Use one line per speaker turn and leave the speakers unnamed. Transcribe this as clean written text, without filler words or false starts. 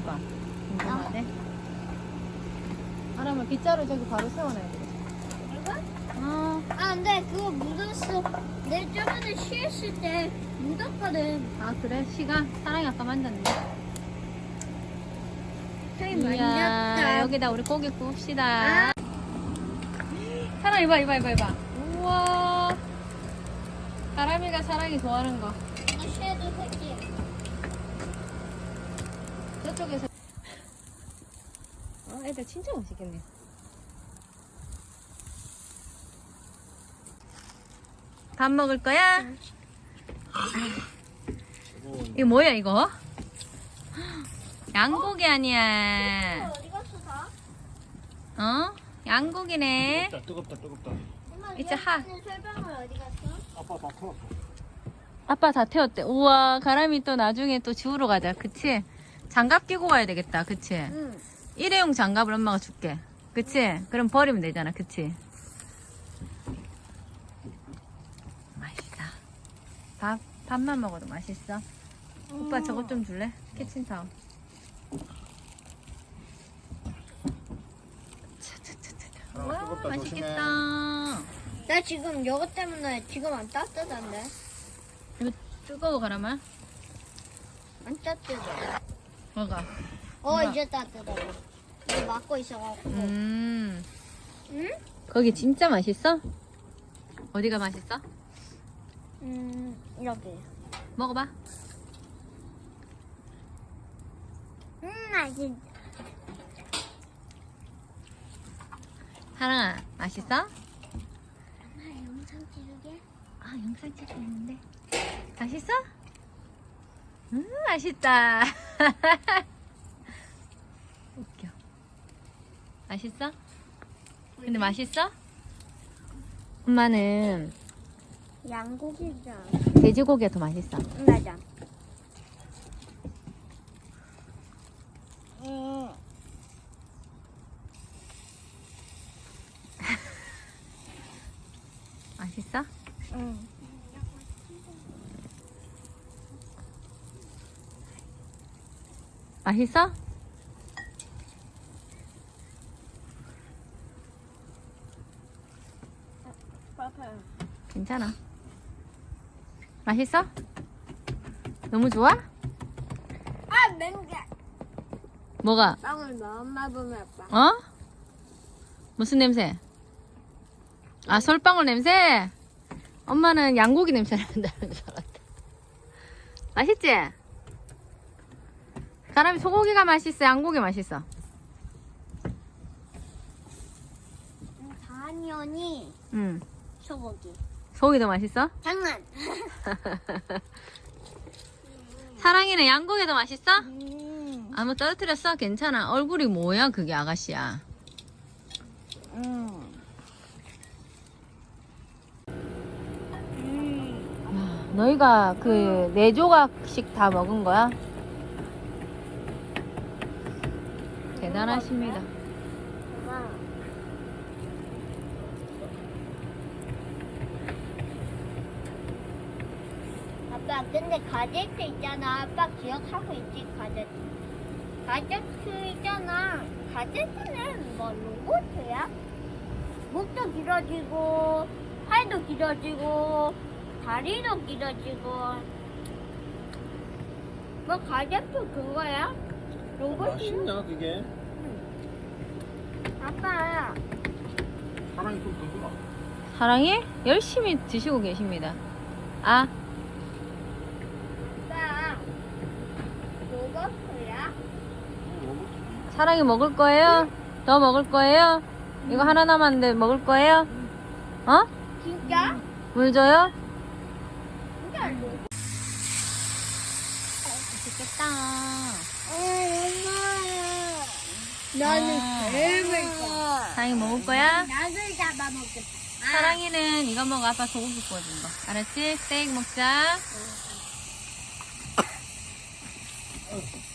먹을까? 궁금하네. 사람을 빗자루 저기 바로 세워놔야 돼.
이거?
어.
아, 근데 그거 묻었어. 내 저번에 쉬었을 때 묻었거든.
아 그래? 시가? 사랑이 아까 만졌는데.
저기
이야,
만졌다.
여기다 우리 고기 구웁시다. 사랑 이봐. 우와. 가람이가 사랑이 좋아하는 거.
쉐도 새끼.
저쪽에서. 애들 진짜 맛있겠네. 밥 먹을 거야? 이거 뭐야 이거? 양고기 아니야.
어디 갔어, 다?
어? 양고기네.
뜨겁다.
엄마,
이제 하.
설방울 어디 갔어?
아빠 다 태웠어.
아빠 다 태웠대. 우와, 가람이 또 나중에 또 지우러 가자. 그치? 장갑 끼고 가야 되겠다. 그치?
응.
일회용 장갑을 엄마가 줄게. 그치? 그럼 버리면 되잖아. 그치? 맛있다. 밥만 먹어도 맛있어. 오빠 저것 좀 줄래? 키친타올. 와,
뜨겁다,
맛있겠다.
나 지금 이거 때문에 지금 안 따뜻한데?
이거 뜨거워, 가람아.
안 따뜻해.
먹어.
이제 따뜻해. 이거 막고 있어갖고.
음.
응?
거기 진짜 맛있어? 어디가 맛있어?
이렇게.
먹어봐.
맛있.
사랑아, 맛있어?
영상 찍게?
아, 영상 찍고 있는데. 맛있어? 맛있다. 웃겨. 맛있어? 근데 맛있어? 엄마는
양고기잖아.
돼지고기가 더 맛있어.
맞아.
맛있어?
응.
맛있어? 괜찮아. 맛있어? 너무 좋아?
아, 맹게.
뭐가?
빵을 너무 보면 아빠.
어? 무슨 냄새? 아, 솔방울 냄새? 엄마는 양고기 냄새 난다는 줄 알았다. 맛있지? 사람이 소고기가 맛있어? 양고기 맛있어?
당연히
응.
소고기.
소고기 더 맛있어?
장난.
사랑이는 양고기 더 맛있어? 아무 떨어뜨렸어? 괜찮아. 얼굴이 뭐야 그게 아가씨야. 와, 너희가 그 4조각씩 다 먹은 거야? 대단하십니다.
아빠, 근데 가제트 있잖아. 아빠 기억하고 있지, 가제트. 가제트 있잖아. 가제트는 뭐 로봇이야? 목도 길어지고, 팔도 길어지고, 다리도 길어지고. 뭐 가제트 그거야? 로봇이?
맛있냐 그게?
아빠,
사랑이 좀 더 주라.
사랑이 열심히 드시고 계십니다. 아,
아빠, 로봇이야?
사랑이 먹을 거예요? 더 먹을 거예요? 이거 하나 남았는데 먹을 거예요? 어?
진짜?
물 줘요?
진짜 로봇?
맛있겠다.
엄마. 나는 뱀을 거.
사랑이 먹을 거야?
낙을 잡아먹겠다.
사랑이는 이거 먹어. 아빠 소고기 구워준 거. 알았지? 스테이크 먹자.